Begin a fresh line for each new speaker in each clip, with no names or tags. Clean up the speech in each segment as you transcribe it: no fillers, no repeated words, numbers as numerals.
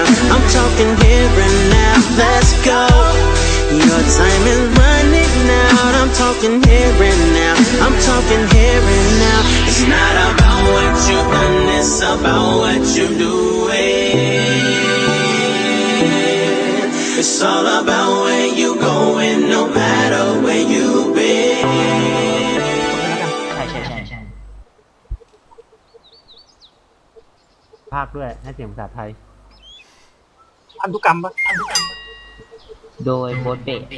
I'm talking here and now, let's go. Your time is running out. I'm talking here and now. I'm talking here and now. It's not about what you've done, it's about what you're doing. It's all about where you going, no matter where you've been.
ใช่
ภาคด้วยให้เสียงภาษาไทย
พันธุกรรมปะ
โดยโบทเบะ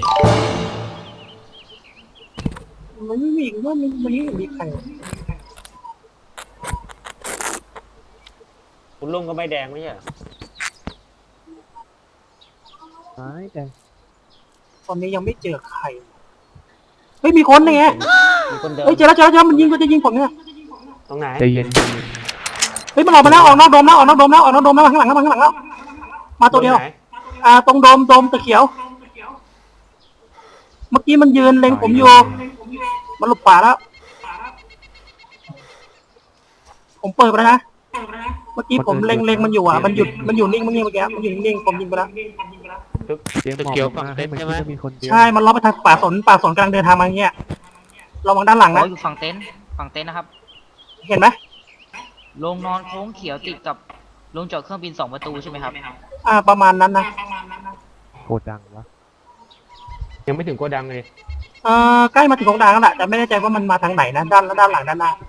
มันไม่มีว่ามันไม่มีใคร
คุณลุงก็ไม่แดงไม่ใช่เหรอ
ไม่แต่
ตอนนี้ยังไม่เจอใครเฮ้ยมีคนไง
มีคนเดิน
เฮ้ยเจอแล้วมันจะยิงผมเนี่ย
ตรงไหน
ใจเย็น
เฮ้ยมันออกมาแล้วออกนอกโดมแล้วมาข้างหลังแล้วมาตัวเดียว
ไหน
ตรงโดมตะเขียว เมื่อกี้มันยืนเล็งผมอยู่มันหลบขวาแล้วผมเปิดไปแล้วนะเมื่อกี้ผมเล็งมันอยู่มันอยู่นิ่งเมื่อกี้มันอยู่นิ่งผมยิงไปแล้ว
เตรียมเกี่ยวฝั่งเต็นท์ใช่ไหมมีคนเดียว
ใช่มันล้อไปทางป่าสนกำลังเดินทางมาอย่างเงี้ยระวังด้านหลัง
โอ้
นะ
อยู่ฝั่งเต็นท์นะครับ
เห็นไหม
โรงนอนโค้งเขียวติดกับโรงจอดเครื่องบิน2 ประตูใช่ไหมครับ
ประมาณนั้นนะ
โคดังวะ
ยังไม่ถึงโกดังเลย
ใกล้มาถึงของดังแล้วแหละแต่ไม่แน่ใจว่ามันมาทางไหนนะด้านหลังด้านหน้า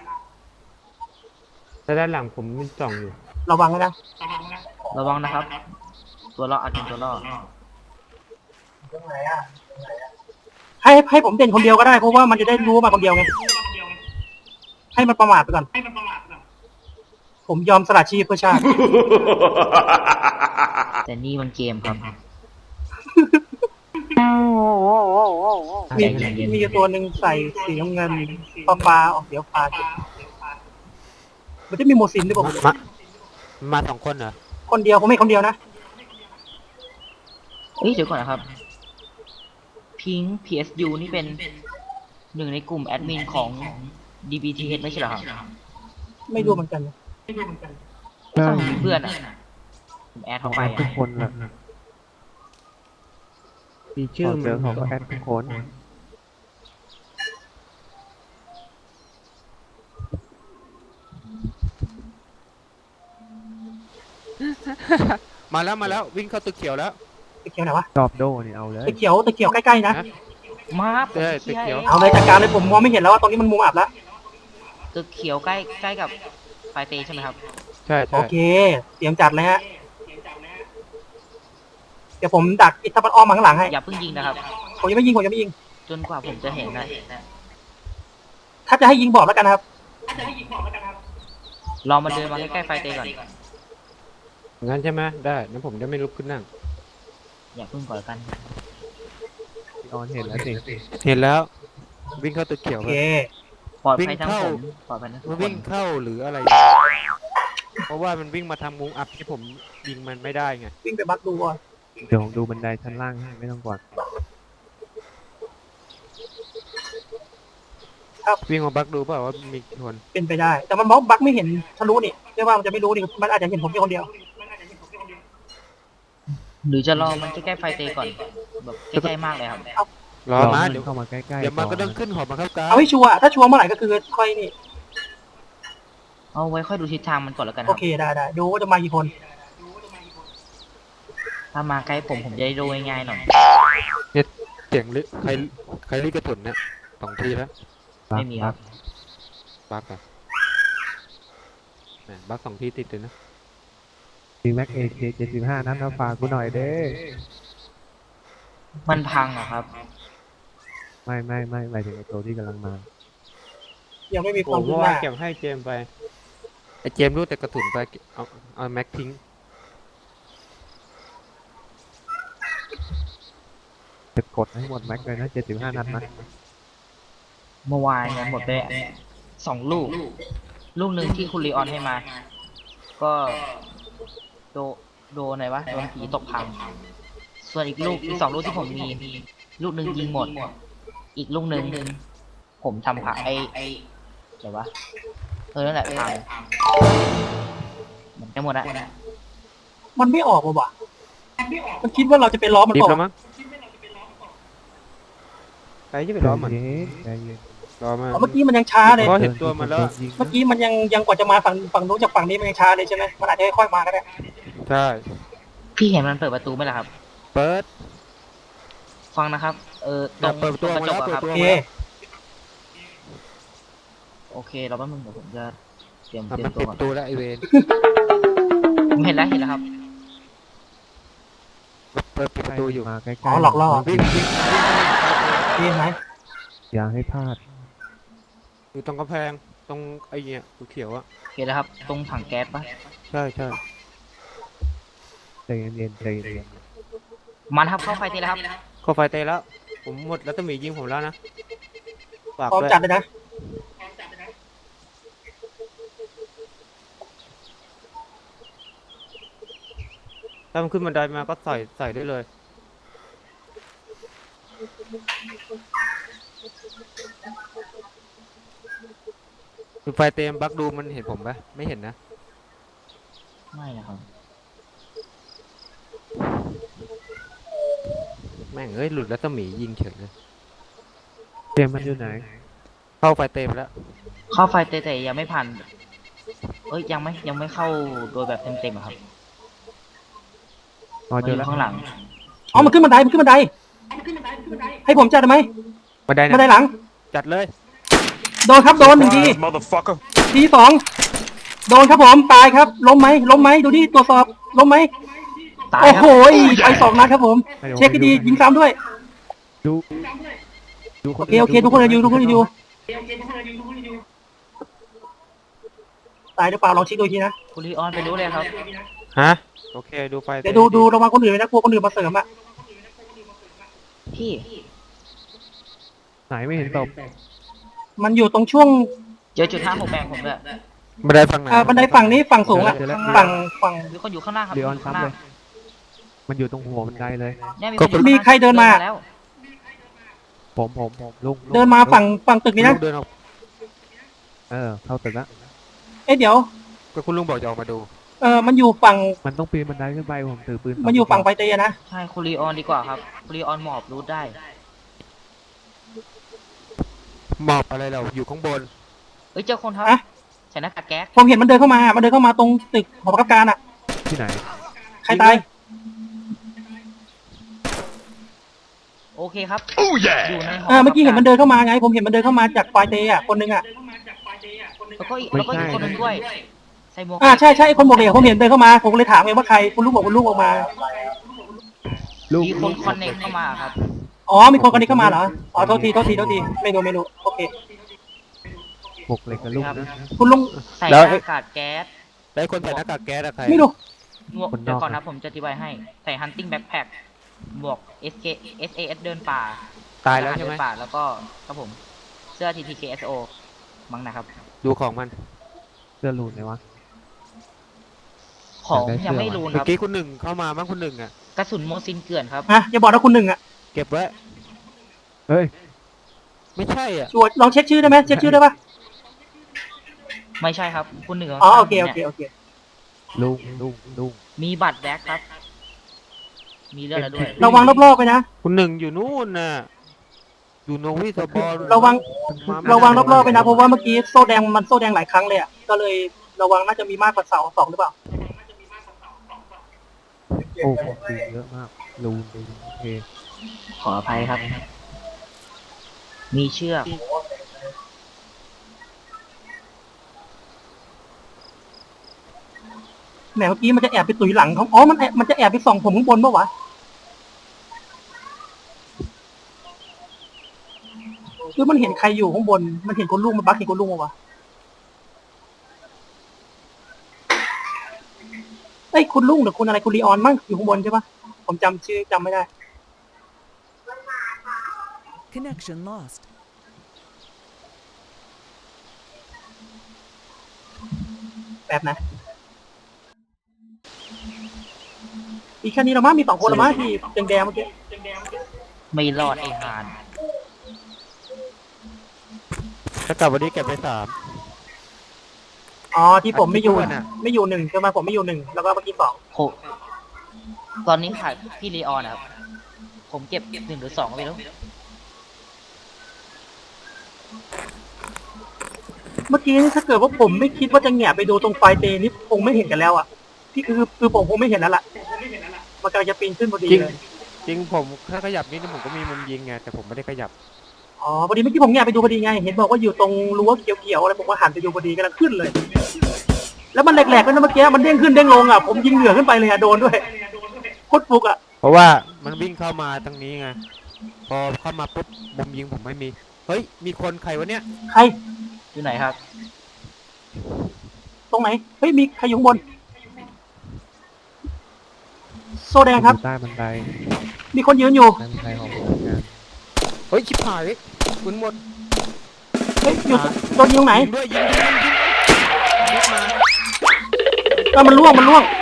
แต่ด้านหลังผมมีจ่องอยู่
ระวังนะ
ระวังนะครับ ตัวล่ออาจเป็นตัวล่อ
ให้ผมเด่นคนเดียวก็ได้เพราะว่ามันจะได้รู้ว่ามาคนเดียวไงให้มันประมาทไปก่อนผมยอมสละชีพเพื่อชาติ
แต่นี่มันเกมครับ
มีตัวหนึ่งใส่สีน้ำเงินฟ้าออกเดี๋ยวฟ้ามันจะมีโมซินด้วยผม
มา2 คนเหรอ
คนเดียวผมไม่คนเดียวนะ
เอ้ยเดี๋ยวก่อนนะครับ พิง PSU นี่เป็นหนึ่งในกลุ่มแอดมินของ DBTH ไม่ใช่เหรอครับ
ไม่รู้เหมือนกัน
ถ้าผมมีเพื่อนอ่ะผมแอดเข้าไป
ทุกคนแหละ
มี
ชื่
ชื่
อ
อ
เจ
มั
อน เขาก็แอดทุกคน
มาแล้ววิ่งเข้าตึกเขียวแล้ว
ตะเขียวไหนวะ
ชอบโดนี่เอาเลย
ตะเขียวใกล้ๆนะ
มาบ
ใช่ตึกเขียว
เอาเลยจัดการเลยผมมองไม่เห็นแล้วว่าตรงนี้มันมุมอับแล้ว
ตึกเขียวใกล้กับไฟเตใช่ไหมครับ
ใช่
โอเคเตรียมจัดเลยฮะเดี๋ยวผมดักอิทธิพลอ้อมมาข้างหลังให้
อย่าเพิ่งยิงนะครับ
ผมยังไม่ยิง
จนกว่าผมจะเห็นนะ
ถ้าจะให้ยิงบอกแล้วกันนะครับ
ลองมาเดินมาใกล้ๆไฟเตก่อน
งั้นใช่ไหมได้งั้นผมจะไม่ลุกขึ้นนั่ง
อย่าเพิ่งก่อนกัน
ออนเห็นแล้วสิ
เห็นแล้ว วิ่งเข้าตึกเขียว
โอ
ไป
เค
ปลอดภัยทั้งผมปลอดภัยทั้งทุก
มัน
ค
วิ่
น
งเข้าหรืออะไร เพราะว่ามันวิ่งมาทำมุมอัพที่ผมยิงมันไม่ได้ไง
วิ่งไปบักดูก่อน
เดี๋ยวผมดูบันไดชั้นล่างให้ไม่ต้องกด
วิ่งมาบักดูเปล่าว่ามีกี่คน
เป็นไปได้ แต่มันบล็อกบักไม่เห็นทะลุนี่เรียกว่ามันจะไม่รู้นี่มันอาจจะเห็นผมแค่คนเดียว
หรือจะรอมันใกล้ๆไฟเตก่อนแบบใกล้ๆมากเลยครับ
รอมา
ให้
เดี๋ยว
เข้ามาใกล้ๆ
เดี๋ยวมันก็ต้อง
ก่
ขึ้นหอบังคับการ
เอาให้ชัวร์ถ้าชัวร์เมื่อไหร่ก็คือค่อยนี่
เอาไว้ค่อยดูทิศทางมันก่อนแล้วกันค
โอ
รับ
เคได้ดูว่าจะมากี่คน
ถ้ามาใกล้ผมจะได้ดูง่ายๆหน่อย
เสียงลึกใครรีกระสุนเนี่ย2 ทีแล้ว
ไม่มีครับ
บักอะแหมบัก2 ทีติดเลยนะ
มีแม็กเอเค75นัดมาฝากกูหน่อยเด้
มันพังเหรอครับ
ไม่หมายถึงไอ้ตัวที่กำลังมา
ยังไม่มีค
ผ
วาม
ม
รู้
ว่า
ว่า
เก็บให้เจมไป
ไอเจมส์รู้แต่กระสุนไปเอาแม็กทิ้ง
จะกดให้หมดแม็กเลยนะ75นัดนะ
เมื่อวานเนี่ยหมดไป2 ลูก ลูกหนึ่งที่คุณลีออนให้มา ก็โดนไหนวะโดนผีตกพังส่วนอีก2 ลูกที่ผมมี ลูกหนึ่งยิงหมด อีกลูกหนึ่งผมทำค่ะไอเดี๋ยววะนั่นแหละพังมันจะหมดละ
มันไม่ออกว่ะมันคิดว่าเราจะไปล้อมัน
รีบ
ออก
แล้วมั้งใครจะไปล้อมมัน
ใจเย็น
ล้อมัน
เมื่อกี้มันยังช้าเลย
เพราะเห็นตัวมันแล้ว
เมื่อกี้มันยังกว่าจะมาฝั่งนู้นจากฝั่งนี้มันยังช้าเลยใช่ไหมมันอาจจะค่อยๆมาก็ได้
ใช่
พี่เห็นมันเปิดประตูไหมล่ะครับ
เปิด
ฟังนะครับ ต
แต่
รง
เปิดตัว
กระ
มา
จ
แล้ว
กอะ
เปิด
ครับ
ตัว
โอเค
มาแล้ว
โอเค เราแป๊บนึงเดี๋ยวผมจะเตรียม
อ่ะ
เตรีย
มั
ม
น
ตัว
ปิด
ก่อน
ประตูแล้วไอเวน
ผมเห็นแล้วครับ
เปิดประตูอยู่
มาใกล้ๆ
อ๋อหลอกล่อ
วิ่ง
นี่ไหม
อย่าให้พลาด
อยู่ตรงกำแพงตรงไอ้เนี่ยเขียวๆอ่ะ
เห็นแล้วครับ ตรงถังแก๊สปะ
ใช่ใช่
ใจเย็นๆใจเย็น
มันครับเข้าไฟตีแล้วครับ
เข้าไฟเตะแล้ว ผมหมดแล้วตะหมียิงผมแล้วนะฝาก
พร้อม
ด้วย
จัดเลยนะ
ถ้ามันขึ้นบันไดมาก็ใส่ได้เลยคือไฟเต็มบักดูมันเห็นผมปะไม่เห็นนะ
ไม่นะครับ
แม่งเอ้ยหลุดแล้วตะหมียิงเฉยเลย
ๆเตรียมมันอยู่ไหน
เข้าไฟเต็มแล้ว
เข้าไฟเตะแต่ยังไม่ผ่านยังไม่เข้าโดยแบบเต็มๆอะครับ
อ๋อ
มัน
เจ
อ
อยู่ แล้ว
ข้างหลัง
อ๋อมันขึ้นบันไดให้ผมจัดได้ไหม
บันได
บันได
นะ
หลัง
จัดเลย
โดนครับโดนหนึ่งทีทีสองโดนครับผมตายครับล้มไหมดูดิตรวจสอบล้มไหม
ตาย
โอ้
ครั
โห
บ
ไป2 นัดครับผม เช็คให้ดียิงซ้ำด้วย
ดู
โอเคทุกคนเลยอยู่ตายหรือเปล่าลองเช็คดูอีกทีนะ
คุณลีออนไปรู้เลยครับ
ฮะโอเคดูไฟ
เดี๋ยวดูระวังคนอื่นนะกลัวคนอื่นมาเสริมอ่ะ
พี่
ไหนไม่เห็นตบ
มันอยู่ตรงช่วง
เจอจุด5 6แบ่งผมด้วย
บันไดฝั่งไหน
บันไดฝั่งนี้ฝั่งสูงอ่ะฝั่ง
มีคนอยู่ข้างหน้าครับ
เรียน
ข้าง
ซ้ำ
ห
เล
น้าย
มันอยู่ตรงหัวบันไดเลย
เนี่ยมีคนอยู่
มีใครเดินมา
แล้ว
ผมลุง
เดินมาฝั่งตึกนี้นะ
ลุงเดินออก
เข้าตึกแล้ว
เอ๊ะเดี๋ยว
ก็คุณลุงบอกจะออกมาดู
มันอยู่ฝั่ง
มันต้องปีนบันไดขึ้นไปผมถือปืน
มันอยู่ฝั่งไฟเตยนะ
ใช่คุณลีออนดีกว่าครับคุณลีออนหมอบรูทได้
หมอบอะไรเราอยู่ข้างบน
เจอคนครับ
อะ
ใส่หน้ากากแก๊ส
ผมเห็นมันเดินเข้ามาตรงตึกหอประคับการอ่ะ
ที่ไหน
ใครตาย
โอเคครับอยู่ในหอ
เมื่อกี้เห็นมันเดินเข้ามาไง ผมเห็นมันเดินเข้ามาจากไฟเตยอ่ะคนนึงอ่ะ
แล้วก็อีกคนหนึงด้วยใส่หมวก
ใช่ไอ้คนบอกเลยผมเห็นเดินเข้ามาผมก็เลยถามไงว่าใครคุณลูกบอกคุณลูกออกมา
ลูก
มีคนคอนเนคเข้ามาครับ
อ๋อมีคนคนนี้เข้ามาเหรออ๋อโทษทีไม่รู้โอเค
บกเหล็กกับลูกนะ
คุณลุง
ใส่หน้ากากแก๊ส
แล้วคนใส่หน้ากากแก๊สอะใคร
ไม่รู้
หมวกเดี๋ยวก่อนนะผมจะอธิบายให้ ใส่ hunting backpack หมวก SAS เดินป่า
ตายแล้วใช่ไหม
เดินป่าแล้วก็ครับผมเสื้อ TTKSO มั้งนะครับ
ดูของมัน
เสื้อลูนไหนวะ
ของ
อยากได้เสื้อ
ยังไม่รู้
เมื่
ค
อ
รับ
กี้คุณหนึ่งเข้ามามั้งคุณหนึ่งอ่ะ
กระสุนโมซินเกลื่อนครับ
อย่าบอกนะคุณหนึ่งอ่ะ
เก็บไว้
เฮ้ย
ไม่ใช่อ่ะ
ช่วยลองเช็คชื่อได้ไหมเช็คชื่อได้ปะ
ไม่ใช่ครับ คุณหนึ่ง
อ๋อโอเค
นี่ย
ลุง
มีบัตรแบ็คครับ มีเรื่องอะไรด้วย
ระวังรอบๆไปนะ
คุณหนึ่งอยู่นู่นน่ะอยู่โนวิสบอล
ระวัง
มาไม่
ระวังรอบๆไปนะเพราะว่าเมื่อกี้โซ่แดงมันโซ่แดงหลายครั้งเลยอ่ะก็เลยระวังน่าจะมีมากกว่า2หรือเปล่า
โอ้ผมปืนเยอะมากลูนโอเค
ขออภัยครับ มีเชือก
แหมเมื่อกี้มันจะแอบไปตุยหลังเขาอ๋อมันจะแอบไปส่องผมข้างบนปะวะหรือมันเห็นใครอยู่ข้างบนมันเห็นคนลุงมันบักเห็นคนลุงปะวะเอ้ยคุณลุงหรือคุณอะไรคุณลีออนมั้งอยู่ข้างบนใช่ปะผมจำชื่อจำไม่ได้
Connection lost.
แบบนะมีแค่นี้ละมั้งมี2 คนละมั้งที่แดงๆเมื่อกี้
ไม่รอดไอ้หาน
ถ้ากลับวันนี้เก็บไป3
อ๋อที่ผมไม่อยู่
อันที่อ้วนอะ
ไม่อยู่1ใช่ไหมผมไม่อยู่1แล้วก็เมื่อกี้2
ผมตอนนี้ขาดพี่ลีออนนะครับ ผมเก็บ1 หรือ 2ไม่รู้
เมื่อกี้นี่ถ้าเกิดว่าผมไม่คิดว่าจะแหงะไปดูตรงไฟเตนี่คงไม่เห็นกันแล้วอ่ะที่คือผมคงไม่เห็นแล้วล่ะมันกำลังจะปีนขึ้นพอดี
จริง
เลย
จริงผมถ้าขยับนิดนึงผมก็มีมุมยิงไงแต่ผมไม่ได้ขยับ
อ๋อพอดีเมื่อกี้ผมแหงะไปดูพอดีไงเห็นบอกว่าอยู่ตรงรั้วเขียวๆอะไรผมก็หันไปดูพอดีกำลังขึ้นเลย แล้วมันแหลกๆด้วยนะเมื่อกี้มันเด้งขึ้นเด้งลงอ่ะผมยิงเหนือขึ้นไปเลยอ่ะโดนด้วยโคตรฟุกอ่ะ
เพราะว่ามันวิ่งเข้ามาทางนี้ไงพอเข้ามาปุ๊บมุมยิงผมไม่มีเฮ้ยมีคนใครวะเนี่ย
ใคร
อยู่ไหนครับ
ตรงไหนเฮ้ยมีใครอยู่ข้างบนโซแดงครับ
อยู่ใต้บันได
มีคนยืนอยู่
ใต้บันไดของผมเหมือนกัน
เฮ้ยชิบหายคุณหมด
เฮ้ยอยู่โดนยิงตรงไหน
ยิงด้วยยิงมา
มันล่วง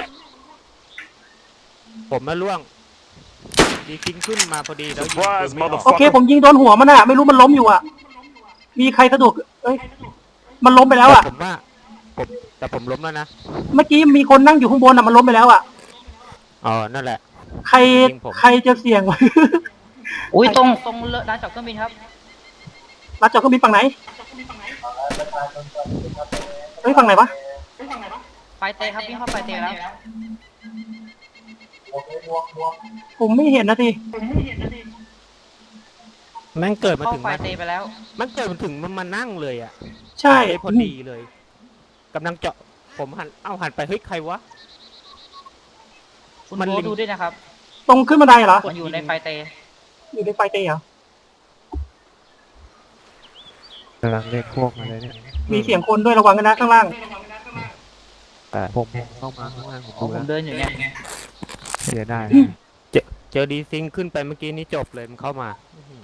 ผมมาล่วงดีจริงขึ้นมาพอดีแล้วยิงปืนไม่ออก
โอเค ผมยิงโดนหัวมันอ่ะไม่รู้มันล้มอยู่อ่ะ มีใครสะดุดเอ้ยมันล้มไปแล้วอ่ะ
แต่ผมล้มแล้วนะ
เมื่อกี้มีคนนั่งอยู่ข้างบนอ่ะมันล้มไปแล้วอ่ะ
อ๋อนั่นแหละ
ใคร
ยิงผม
ใครจะเสี่ยง
อุ้ยตรงร้านจอดเครื่องบินครับ
รับจอดเครื่องบินฝั่งไหนเฮ้ยฝั่งไหนวะ
ไฟเตะครับวิ่งเข้าไฟเตะแล้ว
ผมไม่เห็นนะที
แม่งเกิดมา
เข้า
ถึง
ไฟเตะไปแล้ว
มันเกิดมาถึงมันมานั่งเลยอ่ะ
ใช่
พอดีเลยกำลังเจาะผมหันไปเฮ้ยใครวะ
คุณ
มัน
โบ
ลิง
ดูด้วยนะครับ
ตรงขึ้นบันไดเหรอ
มันอยู่ในไฟเตะ
อยู่ในไฟเตะเหรอก
ำลังเรียกพวกมาเลยเนี่ย
มีเสียงคนด้วยระวังกันนะข้างล่าง
ผมเข้ามาข้างล่างผม
อ๋อ
ดู
ผ
แล้ว
มเดินอยู่เนี่ย
เสียได้
เจอดีซิงขึ้นไปเมื่อกี้นี้จบเลยมันเข้ามา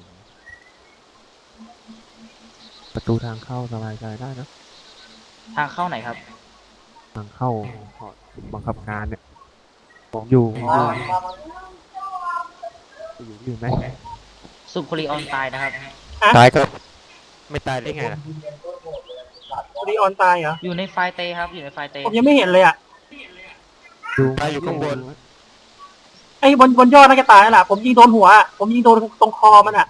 ประตูทางเข้าสบายใจได้นะ
ทางเข้าไหนครับ
ทางเข้าบังคับการเนี่ยผมอยู่ไหม
สุคุรีออนตายนะครับ
ตายก็ไม่ตายได้ไงล่ะ
รีออนตายเหรอ
อยู่ในไฟเตะครับ อยู่ในไฟเตะ
ผมยังไม่เห็นเลยอ่ะ
ดู
ตายอยู่ข้างบน
ไอ้บนยอดน่าจะตายแล้วล่ะผมยิงโดนหัวอะผมยิงโดนตรงคอมันอ่ะ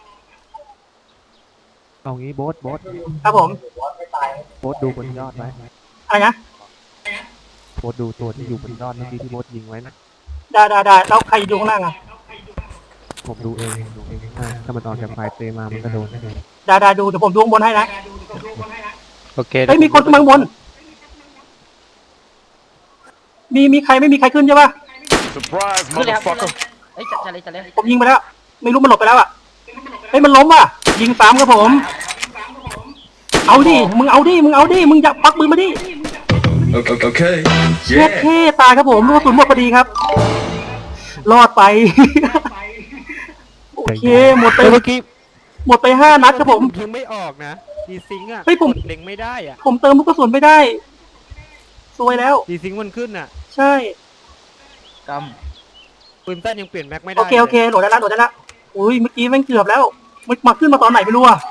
เอางี้โบ๊ท
ครับผม
โบ๊ทดูบนยอดไว้
อะไรนะ
โบ๊ทดูตัวที่อยู่บนยอดเมื่อกี้ที่โบ๊ทยิงไว้นะ
ได้แล้วใครอยู่ข้างล่างอ่ะ
ผมดูเองถ้ามันออกจากไฟเตมามันก็โดนแน่เลย
ได้ดูเดี๋ยวผมดูข้างบนให้นะ
โอเค
เฮ้ยมีคนขึ้นมาข้างบนมีใครไม่มีใครขึ้นใช่ปะ
ขึ้นเลยครับขึ้นเลยเอ้ยจะเลย
ผมยิงไปแล้ว ไม่รู้มันหลบไปแล้วอ่ะเฮ้ยมันล้มอ่ะยิงซ้ำครับผม เอาดิมึงอย่าปักมือมาดิ
Okay.
เช็ดเท่ตายครับผมลูกกระสุนหมดพอดีครับ รอดไป โอเคหมดไป
เมื่อกี้
5 นัดครับผม
ยิงไม่ออกนะดีซิงอ่ะ
เฮ้ยผม
กดเล็งไม่ได้อ่ะ
ผมเติมลูกกระสุนไม่ได้ซวยแล้ว
ดีซิงมันขึ้นอ่ะ
ใช่
ก
ปืนสั้นยังเปลี่ยนแม็กไม่ได้
โอเคโหลดได้ละอุ้ยเมื่อกี้แม่งเกือบแล้วมันมาขึ้นมาตอนไหนไม่รู้อะ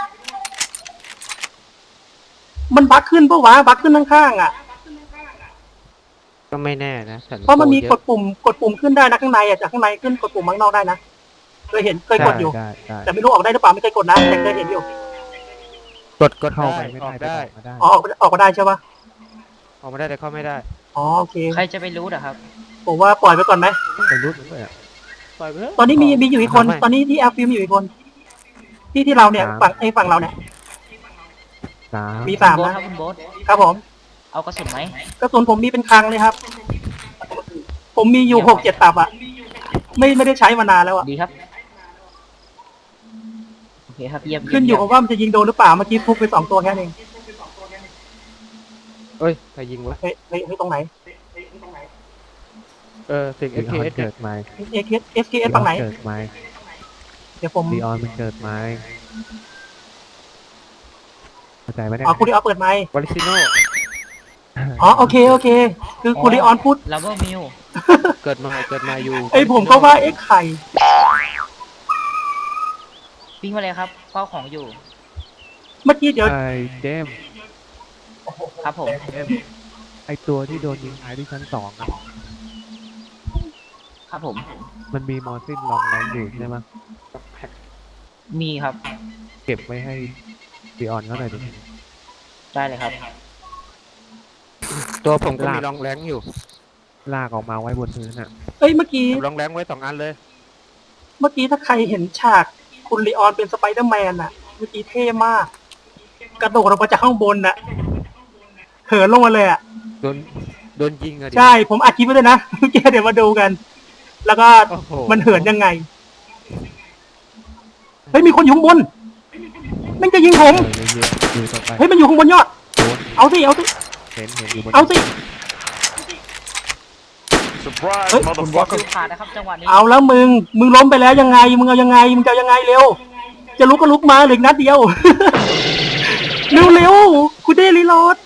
มันบั๊กขึ้นปะวะบั๊กขึ้นข้างๆอ่ะ
ก็ไม่แน่นะ
เพราะมันมีกดปุ่มขึ้นได้นะข้างในอ่ะจากข้างในขึ้นกดปุ่มข้างนอกได้นะเคยกดอยู่
ได้
แต่ไม่รู้ออกได้หรือเปล่าไม่เคยกดนะแต่เคยเห็นอยู่
กด
เข้า
ได้
ไปไม่
อ
ได้
อกได้
อ๋อออกมาได้ใช่ปะ
ออกมาได้แต่เข้าไม่ได้
อ๋อโอเค
ำใครจะไปรู้นะครับ
ผมว่าปล่อยไปก่อนไหม
ไปรุดด้วยอ่ะ
ปล่อยไปเถะ
ตอนนี้มีอยู่อีกคน ตอนนี้ที่แอลฟิล์มอยู่อีกคน ที่เราเนี่ยฝั่งเราเนี่ย
3
มี
คุณ
3
โบ๊ท
นะครับ
คุณโบ๊ท
ครับผม
เอากระสุนไหม
กระสุนผมมีเป็นคลังเลยครับ ผมมีอยู่6-7 ตับอ่ะไม่ได้ใช้มานานแล้วอ่ะ
ดีครับ โอเคครับเยี่ยม
ขึ้นอยู่กับว่ามันจะยิงโดนหรือเปล่าเมื่อกี้พุกไป2 ตัวแค่นั้นเอง
เอ้ยใครยิงวะ
เฮ้ยตรงไหน
เสียง
ลีออน
SKS
เกิดไหม
SKS ฝั่งไหน
เกิดไหม
เดี๋ยวผม
ลีออนมันเกิดไหมเข้าใจไหมเนี่ย
อ๋อคุณดิออนเปิดไมค์
วอลิซิโน
อ๋อโอเค คือคุณดิออนพูด
ลับเบอร์มิว
เกิดมาอยู่
ไอยผมก็ว่าไข่
วิ่งมาเลยครับเฝ้าของอยู่
เมื่อกี้เดี๋ยว
ไอ้เจมส์
ครับผม
ไอ้ตัวที่โดนยิงตายที่ชั้น 2อ่ะ
ครับผม
มันมีมอร์ซินลองแรงอยู่ใช่ไหม
มีครับ
เก็บไว้ให้ดีออนเขาหน่อยดิ
ได้เลยครับ
ตัวผมก็มีรองแรงอยู่
ลากออกมาไว้บนพื้นอ่ะ
เอ้ยเมื่อกี้
เก็บรองแรงไว้2 อันเลย
ถ้าใครเห็นฉากคุณลีออนเป็นสไปเดอร์แมนอะเมื่อกี้เท่มาก กระโดดลงมาจากข้างบนอะเหินลงมาเลยอะ
โดนยิงอะดิ
ใช่ ผมอัดคลิปไว้ด้วยนะ เมื่อกี้เดี๋ยวมาดูกัน แล้วก็
โอ้โห
มันเหินยังไง เฮ้ยมีคนอยู่ข้างบนมันจะยิงผม
เยอะๆดูต่อไป
เฮ้ยมันอยู่ข้างบนยอด
โดน
เอาสิ เอาสิ
เห็นอยู่บน
เอาสิ
Surprise,
เฮ้ย
คุณบอส
motherfucker.
คือขาดนะครับจังหวะนี้
เอาแล้วมึงล้มไปแล้วยังไง มึงเอายังไง มึงจะเอายังไงเร็ว จะลุกก็ลุกมาเหลืออกนัดเดียว เร็วๆกูได้รีโหลด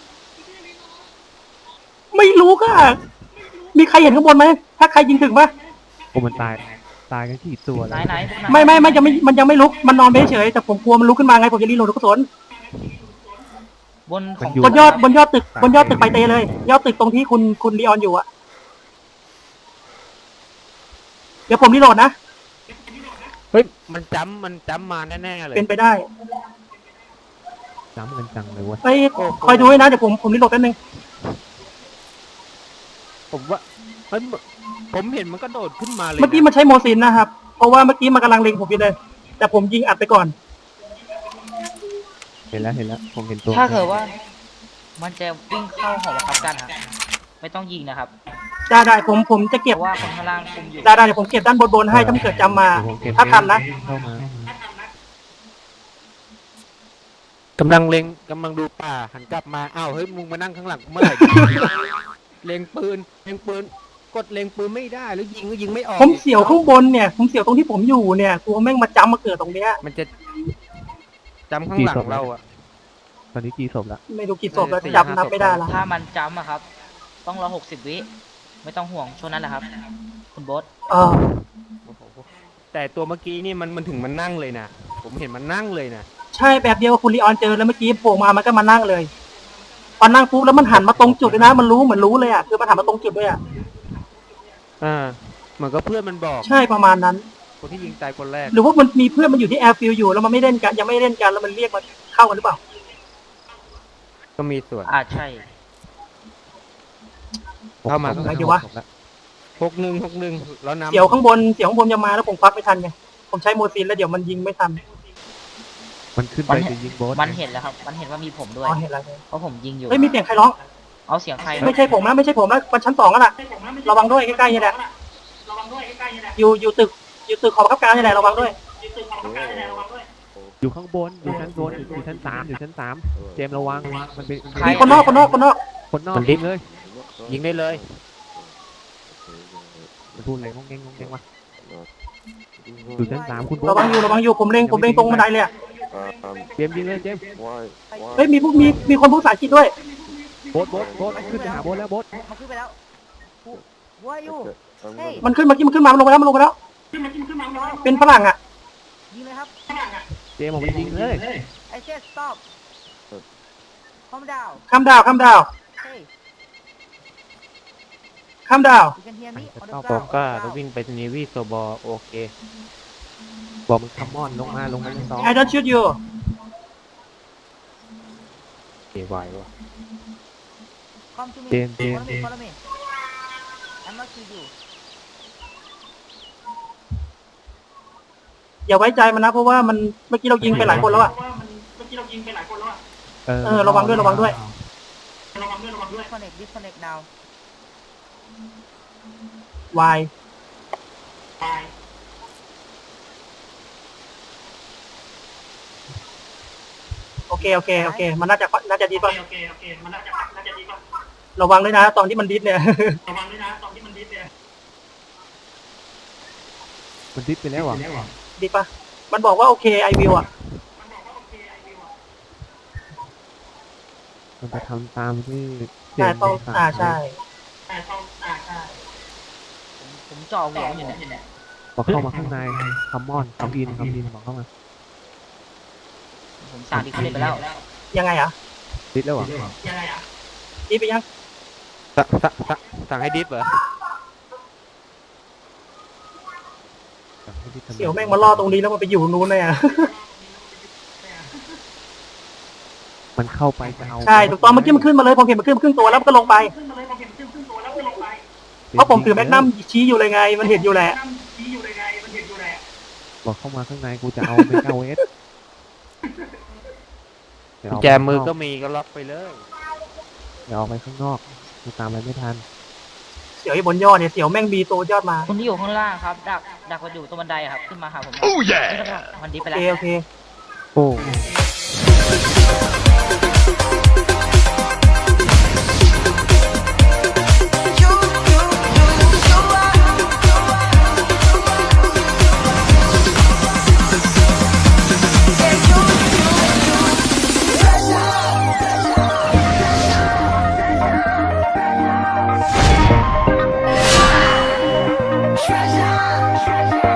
ไม่รู้ก็มีใครเห็นข้างบนไหม ถ้าใครยิงถึงปะ
โอ้มันตายกันกี่ตัว
ไหน
แล้ว
ไหนพวกนั้น
ไม่มันยังไม่ลุก มันนอนไปเฉยแต่ผมกลัวมันลุกขึ้นมาไง ผมจะรีโหลดลูกกระสุน
บนของ
บนยอดตึกไปเตเลย ยอดตึกตรงที่คุณลีออนอยู่อะเดี๋ยวผมรีโหลดนะ
เฮ้ยมันจำมาแน่ๆเลย
เป็นไปได้
จ้ำกันจังเลยเว้ย
ไปคอยดูไว้นะ เดี๋ยวผมรีโหลดแป๊บนึง
ผมว่าเฮ้ยผมเห็นมันก็โดดขึ้นมาเลย
เมื่อกี้มันใช้โมซินนะครับ เพราะว่าเมื่อกี้มันกำลังเล็งผมอยู่เลย แต่ผมยิงอัดไปก่อน
เห็นแล้วผมเห็นตัว
ถ้าเกิดว่า มันจะวิ่งเข้าหอบังคับกันครับไม่ต้องยิงนะครับ
ได้ผมจะ
เพ
เก็บ
ราะว่าคนข้างล่างคุมอยู่
ได้เดี๋ยวผมเก็บด้านบนให้ถ้ามันเกิดจำมา
เดี๋ยวผมเก็บ
ถ้าทันนะ
เข้ามา
กำลังดูป่าหันกลับมาอ้าวเฮ้ยมึงมานั่งข้างหลังกูเมื่อไหร่ เล็งปืนกดเล็งปืนไม่ได้แล้วยิงก็ยิงไม่ออก
ผมเสียวข้างบนเนี่ย ผมเสียวตรงที่ผมอยู่เนี่ยกลัวแม่งมาจำมาเกิดตรงเนี้ย
มันจะจำข้างหลังเราอะ
ตอนนี้กี่ศพละ
ไม่รู้กี่ศพแล้วจำนับไม่ได้ละ
ถ้ามันจำอะครับ ต้องรอ60 วิไม่ต้องห่วงช่วงนั้นแหละครับ คุณโบอส
เออ
โอ้โหแต่ตัวเมื่อกี้นี่มันถึงมันนั่งเลยนะผมเห็นมันนั่งเลยนะ
ใช่แบบเดียวกับคุณลีออนเจอแล้วเมื่อกี้โผล่มามันก็มานั่งเลยพอนั่งปุ๊บแล้วมันหันมาตรงจุดเลยนะ มันรู้เหมือนรู้เลยอ่ะคือมันหันมาตรงจุดด้วยอ่ะ
เหมือนกับเพื่อนมันบอก
ใช่ประมาณนั้น
คนที่ยิงตายคนแรก
หรือว่ามันมีเพื่อนมันอยู่ที่แอร์ฟิลอยู่แล้วมันไม่เล่นกันยังไม่เล่นกันแล้วมันเรียกมาเข้ากันหรือเปล่า
ก็มีส่วน
ใช่
เข้ามา
ไหนดีวะ
61แล้วนำ
เสียวข้างบนจะมาแล้วผมควักไม่ทันไงผมใช้โมซินแล้วเดี๋ยวมันยิงไม่ทัน
มันขึ้นไปจะยิงโบส
มันเห็นแล้วครับ มันเห็นว่ามีผมด้วย
อ๋อเห็นแล้ว
เพราะผมยิงอยู่
เฮ้ยมีเสียงใครร้อง
เอาเสียงใคร
ไม่ใช่ผมนะมันชั้น2กันแหละระวังด้วยใกล้ๆนี่แหละอยู่ตึกของบังคับการนี่แหละระวังด้วย
อยู่ข้างบนอยู่ชั้นบนอยู่ชั้นสามเจมส์ระวังมันเป็น
มีคนนอก
คนนอก
มันดิฟ
เลย
ยิงได้เลย
มันพูดอะไรงงเงวะอยู่ชั้น3คุณโบ
ระวังอยู่ผมเล็งตรงบันไดเลยอะ
เจมส์ยิงเลยเจมส์
เฮ้ยมีคนพูดภาษาอังกฤษด้วย
โบสขึ้นไปหาโบสแล้วโบส
มันขึ้นไปแล้ว Who are you เฮ้ย
มันขึ้นเมื่อกี้มันขึ้นมามันลงไปแล้วเป็นฝรั่งอ่ะ
ยิงเลยครับ
เจมส์บอกมันยิงเลย
I said stop calm down
ข้ามดาว
hey
ข้ามดาว
you can hear me on the
ผม
ground
ก็จะวิ่งไปนีวีโซบอโอเค
บอกมันคัมมอนลงมาชั้น2
I don't shoot you
เอไหววะ
come to me
เจมส์
follow me I'm not shoot you
อย่าไว้ใจมันนะเพราะว่ามันเมื่อกี้เรายิงไปหลายคนแล้วอ่ะ ระวังด้วย
disconnect now
วายโอเคมันน่าจะดีป่ะระวังด้วยนะตอนที่มันดิสเนี่ย
มันดิสไปแล้วอ่ะ
ดีป่ะมันบอกว่าโอเคไอวิวอ่ะ
มันไปทำตามที่เจ
ใช่
มส์
ต้อง
สั่ง
ใช่
ผมจ่อหัวมันอยู่เนี่ย
บอกเข้ามาข้างในคัมมอนคัมอินบอกเข้ามา
ผมสั่งดิคเลนไปแล้ว
ยังไงอ่ะ
ดิสแล้วเหรอ
ดิสไปยัง
สั่งให้ดิฟเหรอ
เสี่ยวแม่งมาล่อตรงนี้แล้วมันไปอยู่นู้นเลยอ่ะ
มันเข้าไปจะเอา
ใช่ถูกต้องเมื่อกี้มันขึ้นมาเลยผมเห็นมันขึ้นครึ่งตัวแล้วมันก็ลงไปเพราะผมถือแมกนัมชี้อยู่เลยไง มันเห็นอยู่แหละ
บอกเข้ามาข้างในกูจะเอาเมกาเวส
กุญแจมือก็มีก็ล็อกไปเลย
เดี๋ยวออกไปข้างนอกกูตามไปไม่ทัน
เสี่ยวไอ้บนยอดเนี่ยเสี่ยวแม่งบีตัวยอดมา
คนที่อยู่ข้างล่างครับ ดักมาอยู่ตรงบันไดอะครับ ขึ้นมาหาผม
Oh yeah
นี่แล้วก็มันดีไป
โอ
แล้ว
เคโอเค
โอ้
Treasure.